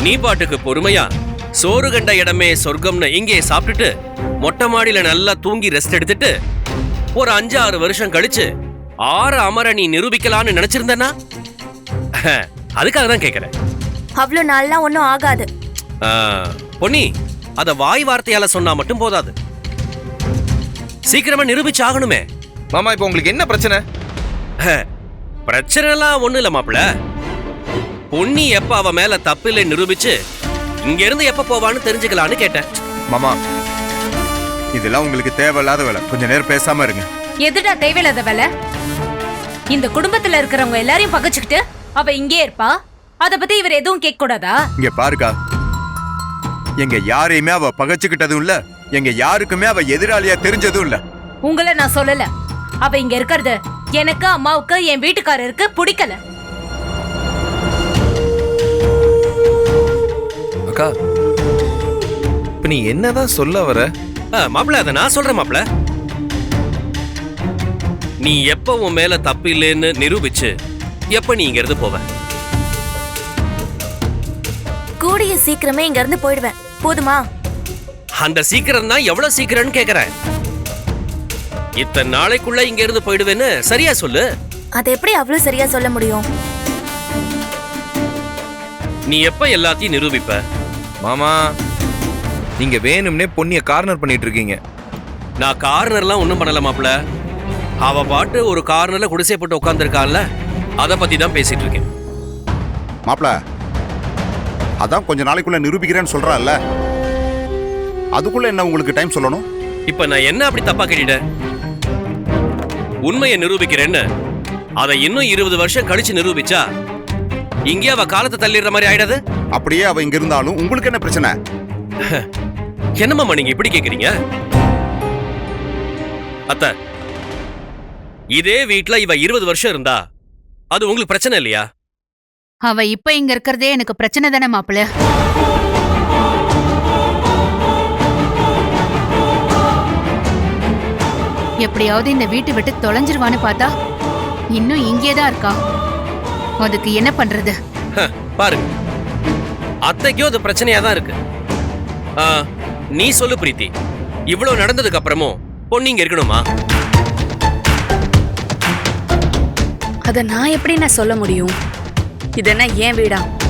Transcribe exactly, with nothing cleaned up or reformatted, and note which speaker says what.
Speaker 1: நீ பாட்டுக்கு பொறுமையா சோறு கண்ட இடமே சொர்க்கம்னு இங்கே சாப்பிட்டுட்டு மொட்டை மாடியில நல்லா தூங்கி ரெஸ்ட் எடுத்துட்டு ஒரு அஞ்சு ஆறு வருஷம் கழிச்சு ஆறு அமர நீ நிரூபிக்கலான்னு நினைச்சிருந்தனா அதுக்காக தான் கேட்கிறேன்.
Speaker 2: அவ்வளவு நாள்லாம் ஒன்னும் ஆகாது.
Speaker 1: பொன்னி, அத வாய் வார்த்தையால சொன்னா மட்டும் போதாது, சீக்கிரமா நிரூபிச்சு ஆகணுமே.
Speaker 3: மாமா இப்ப உங்களுக்கு என்ன பிரச்சனை?
Speaker 1: பிரச்சனை எல்லாம் ஒண்ணு இல்ல மாப்பிள. பொன்னி எப்ப அவ மேல தப்பு இல்லை நிரூபிச்சு இங்க இருந்து எப்ப போவான்னு தெரிஞ்சுக்கலான்னு கேட்டேன்.
Speaker 4: மாமா இதெல்லாம் உங்களுக்கு தேவையில்லாத வேலை, கொஞ்ச நேரம் பேசாம இருங்க.
Speaker 5: எதுடா தேவையில்லாத வேலை? இந்த குடும்பத்துல இருக்கிறவங்க எல்லாரையும் பகச்சுக்கிட்டு அவ இங்கே இருப்பா, அத பத்தி இவர் எதுவும் கேட்க கூடாதா?
Speaker 4: இங்க பாருக்கா, எங்க யாரையுமே அவ பகச்சுக்கிட்டதும் இல்ல, எங்க யாருக்குமே அவ எதிராளியா தெரிஞ்சதும் இல்ல.
Speaker 5: உங்களை நான் சொல்லல, அவ இங்க இருக்கிறது எனக்கு அம்மாவுக்கு என் வீட்டுக்காரருக்கு பிடிக்கல.
Speaker 3: அக்கா இப்ப நீ என்னதான் சொல்ல வர?
Speaker 1: மாப்பிள அத நான் சொல்றேன் மாப்பிள. நீ எப்ப உன் மேல தப்பு இல்லைன்னு நிரூபிச்சு எப்ப நீ இங்க இருந்து போவ?
Speaker 2: கூடிய சீக்கிரமே இங்க இருந்து போயிடுவேன், போதுமா?
Speaker 1: அந்த சீக்கிரம் தான் எவ்வளவு சீக்கிரம்னு கேக்குறேன். இத்தனை நாளைக்குள்ள இங்க இருந்து போயிடுவேன்னு சரியா சொல்லு.
Speaker 2: அது எப்படி அவ்வளவு சரியா சொல்ல முடியும்?
Speaker 1: நீ எப்ப எல்லாத்தையும் நிரூபிப்ப?
Speaker 3: மாமா நீங்க வேணும்னே பொன்னிய கார்னர் பண்ணிட்டு இருக்கீங்க.
Speaker 1: நான் கார்னர்லாம் ஒண்ணும் பண்ணல மாப்பிள. அவ பாட்டு ஒரு கார்னர்ல குடிசை போட்டு உட்கார்ந்துருக்கான்ல, அத பத்தி தான் பேசிட்டு இருக்கேன்.
Speaker 6: மாப்பிள அதான் கொஞ்ச நாளைக்குள்ள நிரூபிக்கிறேன்னு சொல்றான்ல, அதுக்குள்ள என்ன உங்களுக்கு டைம் சொல்லணும்?
Speaker 1: இப்ப நான் என்ன அப்படி தப்பா கேட்டுட்டேன்? உண்மையை நிரூபிக்கிறேன்னு அதை இன்னும் இருபது வருஷம் கழிச்சு நிரூபிச்சா இங்கே அவ காலத்தை தள்ளிடுற மாதிரி ஆயிடாது?
Speaker 6: அப்படியே அவ இங்க இருந்தாலும் உங்களுக்கு என்ன பிரச்சனை?
Speaker 1: என்னமாமா நீங்க இப்படி கேக்குறீங்க? அத்த, இதே வீட்ல இவ இருபது வருஷம் இருந்தா அது உங்களுக்கு பிரச்சனை இல்லையா?
Speaker 7: அவ இப்ப இங்க இருக்கிறதே எனக்கு பிரச்சனை தானே மாப்பிள்ள. எப்படியாவது இந்த வீட்டை விட்டு தொலைஞ்சிருவான்னு பார்த்தா இன்னும் இங்கேதான் இருக்கா. அதுக்கு என்ன பண்றது?
Speaker 1: பாருங்க, அத்தைக்கும் அது பிரச்சனையா தான் இருக்கு. நீ சொல்லு பிரீத்தி, இவ்வளவு நடந்ததுக்கு அப்புறமும் பொண்ணு இங்க இருக்கணுமா?
Speaker 8: அத நான் எப்படி நான் சொல்ல முடியும்? இதென்ன ஏன் வீடா?